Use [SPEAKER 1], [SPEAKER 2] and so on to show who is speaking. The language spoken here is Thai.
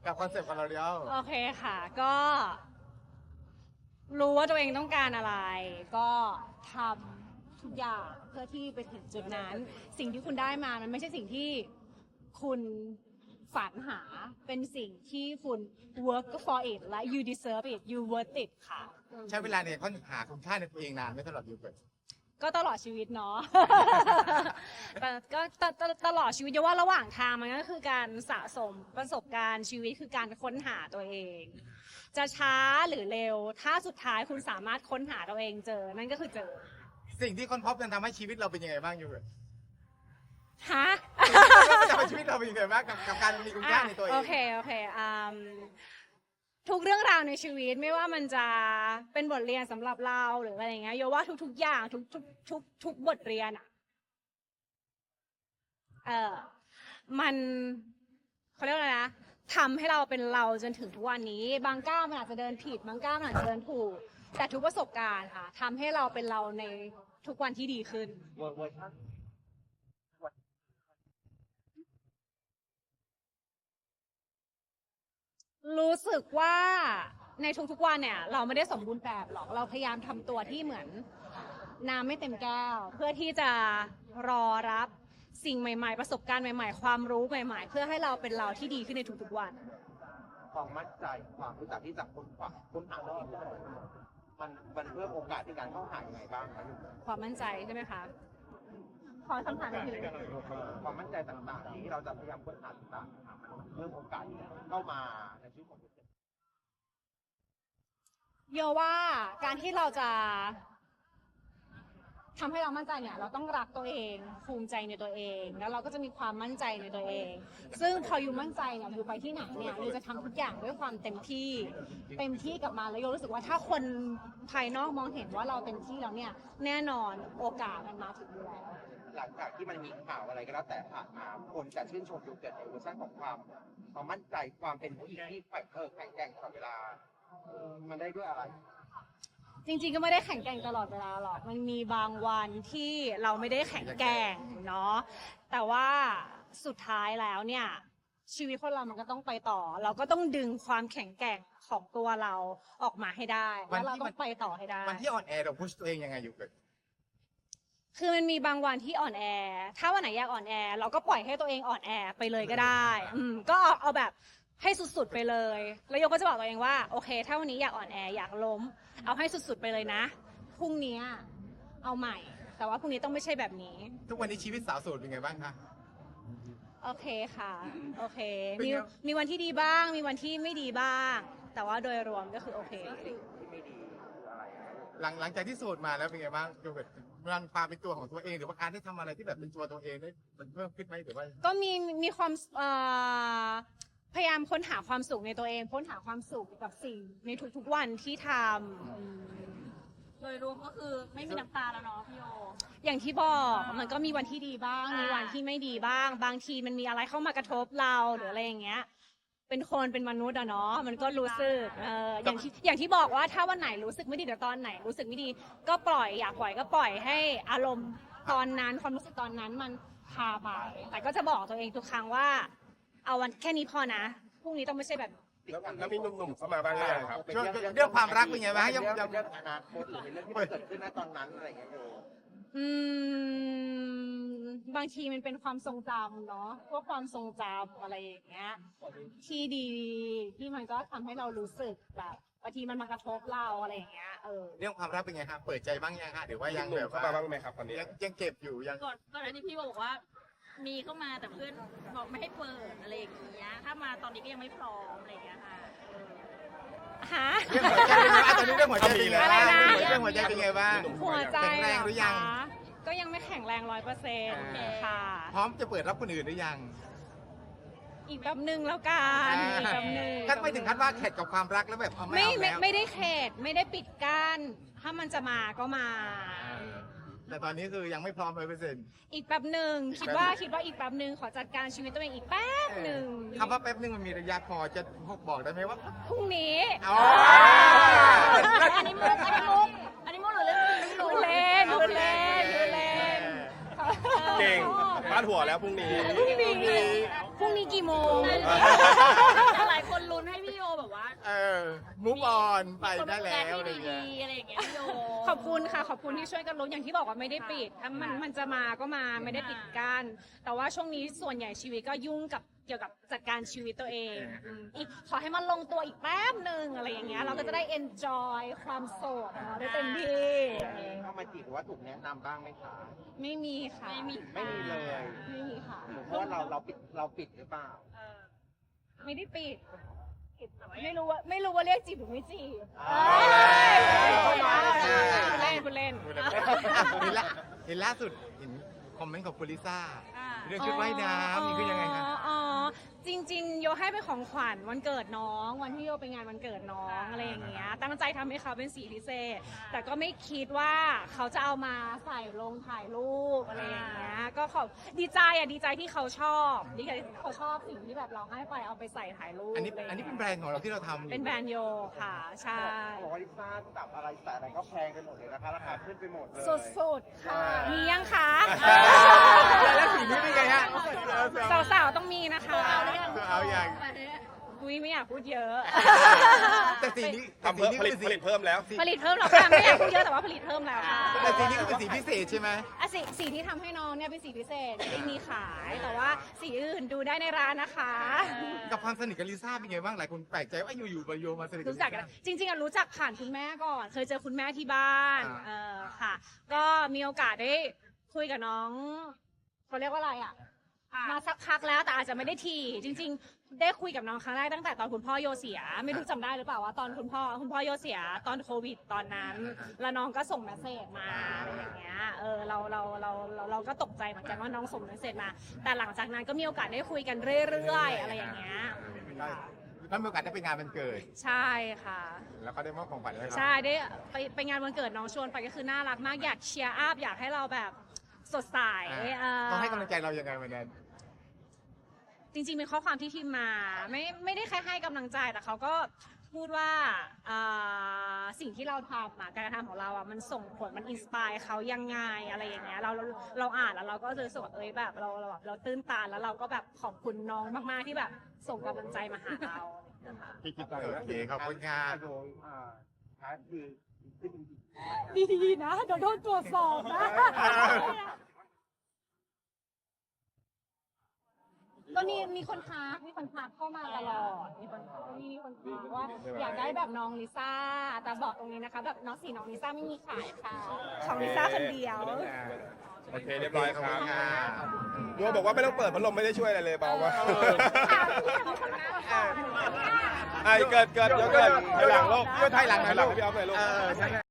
[SPEAKER 1] กับคอนเซ็ปต์ของเราเดียว
[SPEAKER 2] โอเคค่ะ ก็รู้ว่าตัวเองต้องการอะไร ก็ทำทุกอย่างเพื่อที่ไปถึงจุดนั้น สิ่งที่คุณได้มามันไม่ใช่สิ่งที่คุณฝันหาเป็นสิ่งที่คุณ work for it และ you deserve it you worth it ค่ะ
[SPEAKER 1] ใช้เวลาในค้นหาคุณค่าในตัวเองนานไหม่ตลอดอยู่เกิด
[SPEAKER 2] ก็ตลอดชีวิตเนาะ แต่ก็ตลอดชีวิตเยาว่าระหว่างทางมันก็คือการสะสมประสบการณ์ชีวิตคือการค้นหาตัวเอง จะช้าหรือเร็ว ถ้าสุดท้ายคุณสามารถค้นหาตัวเองเจอ นั่นก็คือเจอ
[SPEAKER 1] สิ่งที่ค้นพบมันทำให้ชีวิตเราเป็นยังไงบ้างอยู่เกิด
[SPEAKER 2] ฮะ
[SPEAKER 1] มันจะทำให้ชีวิตเราเป็นยังไงบ้างกับการมีคุณค่าในตัวเอง
[SPEAKER 2] โอเคทุกเรื่องราวในชีวิตไม่ว่ามันจะเป็นบทเรียนสำหรับเราหรืออะไรอย่างเงี้ยโยว่าทุกอย่างทุกบทเรียนมันเขาเรียกว่าอะไรนะทำให้เราเป็นเราจนถึงทุกวันนี้บางก้าวมันอาจจะเดินผิดบางก้าวมันอาจจะเดินถูกแต่ทุกประสบการณ์ค่ะทำให้เราเป็นเราในทุกวันที่ดีขึ้นรู้สึกว่าในทุกๆวันเนี่ยเราไม่ได้สมบูรณ์แบบหรอกเราพยายามทำตัวที่เหมือนน้ำไม่เต็มแก้วเพื่อที่จะรอรับสิ่งใหม่ๆประสบการณ์ใหม่ๆความรู้ใหม่ๆเพื่อให้เราเป็นเราที่ดีขึ้นในทุกๆวัน
[SPEAKER 3] ความมั่นใจความรู้จักที่จะค้นหาตัวเองมันเพิ่มโอกาสในการเข้าหายังไงบ้างครับ
[SPEAKER 2] ความมั่นใจใช่ไหมคะขอคำถามหนึ่ง
[SPEAKER 3] ความมั่นใจต่างๆที่เราจะพยายามค้นหาต่างๆมันเพิ่มโอกาสเข้ามาในชีวิตของตัวเอง
[SPEAKER 2] โยว่าการที่เราจะทำให้เรามั่นใจเนี่ยเราต้องรักตัวเองภูมิใจในตัวเองแล้วเราก็จะมีความมั่นใจในตัวเองซึ่งพออยู่มั่นใจเนี่ยอยู่ไปที่ไหนเนี่ยเราจะทำทุกอย่างด้วยความเต็มที่กับมันแล้วโยรู้สึกว่าถ้าคนภายนอกมองเห็นว่าเราเต็มที่แล้วเนี่ยแน่นอนโอกาสมันมาถึงอยู่แล้ว
[SPEAKER 3] หลังจากที่มันมีข่าวอะไรก็แล้วแต่ผ่านมาคนจะชื่นชมยูเกิดในเวอร์ชันของความมั่นใจความเป็นผู้หญิงที่แข็งแกร่งตลอดเวลามันได้ด้วยอะไร
[SPEAKER 2] จริงๆก็ไม่ได้แข็งแกร่งตลอดเวลาหรอกมันมีบางวันที่เราไม่ได้แข็งแกร่งเนาะแต่ว่าสุดท้ายแล้วเนี่ยชีวิตคนเรามันก็ต้องไปต่อเราก็ต้องดึงความแข็งแกร่งของตัวเราออกมาให้ได้แล้วเราต้องไปต่อให้ได้
[SPEAKER 1] วันที่อ่อนแอเราพุชตัวเองยังไงอยู่เกิด
[SPEAKER 2] คือมันมีบางวันที่อ่อนแอถ้าวันไหนอยากอ่อนแอเราก็ปล่อยให้ตัวเองอ่อนแอไปเลยก็ได้ก็เอาแบบให้สุดๆไปเลยแล้วโยก็จะบอกตัวเองว่าโอเคถ้าวันนี้อยากอ่อนแออยากล้มเอาให้สุดๆไปเลยนะพรุ่งนี้เอาใหม่แต่ว่าพรุ่งนี้ต้องไม่ใช่แบบนี้
[SPEAKER 1] ทุกวันนี้ชีวิตสาวโสดเป็นไงบ้างคะ
[SPEAKER 2] โอเคค่ะโอเคมีวันที่ดีบ้างมีวันที่ไม่ดีบ้างแต่ว่าโดยรวมก็คือโอเค
[SPEAKER 1] หลังจากที่โสดมาแล้วเป็นไงบ้างโยเกิร์ตมันความเป็นตัวของตัวเองหรือว่าการได้ทำอะไรที่แบบเป็นตัวเองได้มันเพิ่มขึ้นไหมหรือว่า
[SPEAKER 2] ก็มีความพยายามค้นหาความสุขในตัวเองค้นหาความสุขกับสิ่งในทุกๆวันที่ทำ
[SPEAKER 4] โดยรวมก็คือไม่มีน้ำตาแล้วเนาะพี่โย
[SPEAKER 2] อย่างที่บอกมันก็มีวันที่ดีบ้างมีวันที่ไม่ดีบ้างบางทีมันมีอะไรเข้ามากระทบเราหรืออะไรอย่างเงี้ยเป็นคนเป็นมนุษย์อะเนาะมันก็รู้สึกอย่างที่บอกว่าถ้าวันไหนรู้สึกไม่ดีแต่ตอนไหนรู้สึกไม่ดีก็ปล่อยอยากปล่อยก็ปล่อยให้อารมณ์ตอนนั้นความรู้สึกตอนนั้นมันพาไปแต่ก็จะบอกตัวเองทุกครั้งว่าเอาวันแค่นี้พอนะพรุ่งนี้ต้องไม่ใช่แบบ
[SPEAKER 5] แล้วมีหนุ่มๆเข้ามาบ้างหรือยังครับ
[SPEAKER 1] เรื่องความรักเป็นไงบ้าง
[SPEAKER 3] ยังอนาคตหรือเป็นเรื่องที่เกิดขึ้นณตอนนั้นอะไรอย่างเงี้ย
[SPEAKER 2] บางทีมันเป็นความทรงจำเนาะพวกความทรงจำอะไรอย่างเงี้ยที่ดีที่มันก็ทำให้เรารู้สึกแบบบางทีมันมากระทบเราอะไรอย่างเงี้ย
[SPEAKER 1] เรื่องความรักเป็นไงครับเปิดใจบ้างยังฮะหรือว่ายังแบบ
[SPEAKER 5] เข้ามาบ้างไหมครับตอนนี้
[SPEAKER 1] ยังเก็บอยู่ยัง
[SPEAKER 4] ก่อนอันนี้พี่บอกว่ามีเข้ามาแต่เพื่อนบอกไม่ให้เปิดอะไรอย่างเงี้ยถ้ามาตอนนี้ก็ยังไม่พร้อมอะไรอย่างเงี้ยค่ะ
[SPEAKER 2] ฮะ
[SPEAKER 1] เรื่องหัวใจเป็นไงบ้างตอนนี้เรื่องหัวใจเป็นไงบ้างเรื่องหัวใจเป็นไงบ้าง
[SPEAKER 2] หัวใจ
[SPEAKER 1] แข็งแรงหรือยัง
[SPEAKER 2] ก็ยังไม่แข็งแรง100%ค่ะ
[SPEAKER 1] พร้อมจะเปิดรับคนอื่นหรือยัง
[SPEAKER 2] อีกแบบนึงแล้วกันอีกแบบนึง
[SPEAKER 1] ก็ไม่ถึงขั้นว่าเข็ดกับความรักแล้วแบบ
[SPEAKER 2] ไม่ได้เข็ดไม่ได้ปิดกั้นถ้ามันจะมาก็มา
[SPEAKER 1] แต่ตอนนี้คือยังไม่พร้อม100%
[SPEAKER 2] อีกแป๊บหนึ่งคิดว่าอีกแป๊บหนึ่งขอจัดการชีวิตตัวเองอีกแป๊บหนึ่ง
[SPEAKER 1] คำว่าแป๊บหนึ่งมันมีระยะพอจะบอกได้ไหมว่า
[SPEAKER 2] พรุ่งนี้
[SPEAKER 4] อันนี้มุกหรือเรื่อง
[SPEAKER 2] ดูเล่น
[SPEAKER 5] เก่งพาดหัวแล้วพรุ่งนี้
[SPEAKER 2] กี่โมง
[SPEAKER 4] หลายคน
[SPEAKER 1] มูฟออนไปได้แล้วอะไร
[SPEAKER 4] ดี
[SPEAKER 1] เงี้ย
[SPEAKER 4] อะไรอย่างเงี้ยพี่โย
[SPEAKER 2] ขอบคุณค่ะขอบคุณที่ช่วยกันลุ้นอย่างที่บอกว่าไม่ได้ปิดถ้ามันจะมาก็มาไม่ได้ปิดกั้นแต่ว่าช่วงนี้ส่วนใหญ่ชีวิตก็ยุ่งกับเกี่ยวกับจัดการชีวิตตัวเองอีกขอให้มันลงตัวอีกแป๊บหนึ่งอะไรอย่างเงี้ยเราก็จะได้ enjoy ความโสดของเราได้เต็มที่
[SPEAKER 3] เข้ามาจีบหรือว่าถูกแนะนำบ้างไหมคะ
[SPEAKER 2] ไม่มีค่ะ
[SPEAKER 4] ไม่มี
[SPEAKER 3] ไม่มีเลย
[SPEAKER 2] ไม่มีค่ะ
[SPEAKER 3] หรือเพราะว่าเราปิดหรือเปล่า
[SPEAKER 4] เออ
[SPEAKER 2] ไม่ได้ปิดไม่รู้ว่าเรียกจีบหรือไม่จีบ
[SPEAKER 3] อ่า
[SPEAKER 2] คุณเล่น
[SPEAKER 1] เห็นล่าสุดเห็นคอมเมนต์ของคุณลิซ่า
[SPEAKER 4] อ่า
[SPEAKER 1] เรื่องชุดว่ายน้ำนี่คือยังไงครับ
[SPEAKER 2] อ๋อจริงๆโยให้เป็นของขวัญวันเกิดน้องวันที่โยไปงานวันเกิดน้องอะไรอย่างเงี้ยตั้งใจทำให้เขาเป็นสีพิเศษ แต่ก็ไม่คิดว่าเขาจะเอามาใส่ลงถ่ายรูปอะไรอย่างเงี้ยก็ขอบดีใจที่เขาชอบดีใจที่เขาชอบสิ่งที่แบบเราให้ไปเอาไปใส่ถ่ายรูป
[SPEAKER 1] อันนี้เป็นแบรนด์ของเราที่เราทำอยู่
[SPEAKER 2] เป็นแบรนด์โยค่ะใช่
[SPEAKER 3] บอกว่าลิซ่าจับอะไรแต่อะไรก็แพงไปหมดเลยนะคะราคาขึ้นไปหมดเลย
[SPEAKER 2] สุดๆค่ะมียังคะ
[SPEAKER 1] แล้วสีนี้เป็นไงฮะ
[SPEAKER 2] สาวๆต้องมีนะคะ
[SPEAKER 1] เอาอย่าง
[SPEAKER 2] อุ้ยไม่อยากพูดเยอะ
[SPEAKER 1] แต่สีนี้
[SPEAKER 5] ทำเพิ่มผลิตเพิ่มแล้ว
[SPEAKER 2] ผลิตเพิ่มแล้วค่ะไม่อยากพูดเยอะแต่ว่าผลิตเพิ่มแล้วค่ะ
[SPEAKER 1] แต่สีนี้ก็เป็นสีพิเศษใช่ไหม
[SPEAKER 2] อ่ะสีที่ทำให้น้องเนี่ยเป็นสีพิเศษไม่มีขาย แต่ว่าสีอื่นดูได้ในร้านนะคะ
[SPEAKER 1] กับความสนิทกับลิซ่าเป็นไงบ้างหลายคนแปลกใจว่าอยู่ๆมาโยมาสนิท
[SPEAKER 2] รู้จักกันจริงๆอะรู้จักผ่านคุณแม่ก่อน เคยเจอคุณแม่ที่บ้าน ค่ะ ก็มีโอกาสได้คุยกับน้องเขาเรียกว่าอะไรอะมาสักพักแล้วแต่อาจจะไม่ได้ทีจริง ๆ ได้คุยกับน้องครั้งแรกตั้งแต่ตอนคุณพ่อโยเสีย ไม่รู้จำได้หรือเปล่าว่าตอนคุณพ่อโยเสียตอนโควิดตอนนั้น แล้วน้องก็ส่งเมสเซจมาอะไรอย่างเงี้ยเราก็ตกใจเหมือนกันว่าน้องส่งเมสเซจมา แต่หลังจากนั้นก็มีโอกาสได้คุยกันเรื่อยๆอะไรอย่างเงี้ย
[SPEAKER 1] แล้วมีโอกาสได้ไปงานวันเกิด
[SPEAKER 2] ใช่ค่ะ
[SPEAKER 1] แล้วก็ได้มอบของขวัญให้เขา
[SPEAKER 2] ใช่ได้ไปงานวันเกิดน้องชวนไปก็คือน่ารักมากอยากเชียร์อัพอยากให้เราแบบสดใส
[SPEAKER 1] ต้องให้กำลังใจเรายังไงวันนั้น
[SPEAKER 2] จริงๆเป็นข้อความที่ทีมมาไม่ได้แค่ให้กำลังใจแต่เขาก็พูดว่าสิ่งที่เราทำการกระทำของเรามันส่งผลมันอินสปายเขายังไงอะไรอย่างเงี้ยเราอ่านแล้วเราก็รู้สึกว่าแบบเราตื้นตันแล้วเราก็แบบขอบคุณน้องมากๆที่แบบส่งกำลังใจมาหาเรานะคะ
[SPEAKER 1] โอเคขอบคุณค่ะ
[SPEAKER 3] โดยคือขึ้น
[SPEAKER 2] ดีๆนะเดี๋ยวโดนตรวจสอบนะก็มีคนทักเข้ามาตลอดมีคนทักว่าอยากได้แบบน้องลิซ่าแต่บอกตรงนี้นะคะแบบน้องลิซ่าไม่มีขายค่ะของลิซ่าคนเดียว
[SPEAKER 5] โอเคเรียบร้อยครับ
[SPEAKER 1] ขอบคุณค่ะ
[SPEAKER 5] โยบอกว่าไม่ต้องเปิดพัดลมไม่ได้ช่วยอะไรเลยเบามาก เกิดถอยหลังลูก
[SPEAKER 1] ก็ถอยหลังหน่อยลูก
[SPEAKER 5] ให้พี่ออฟหน่อยลูก
[SPEAKER 1] ใช่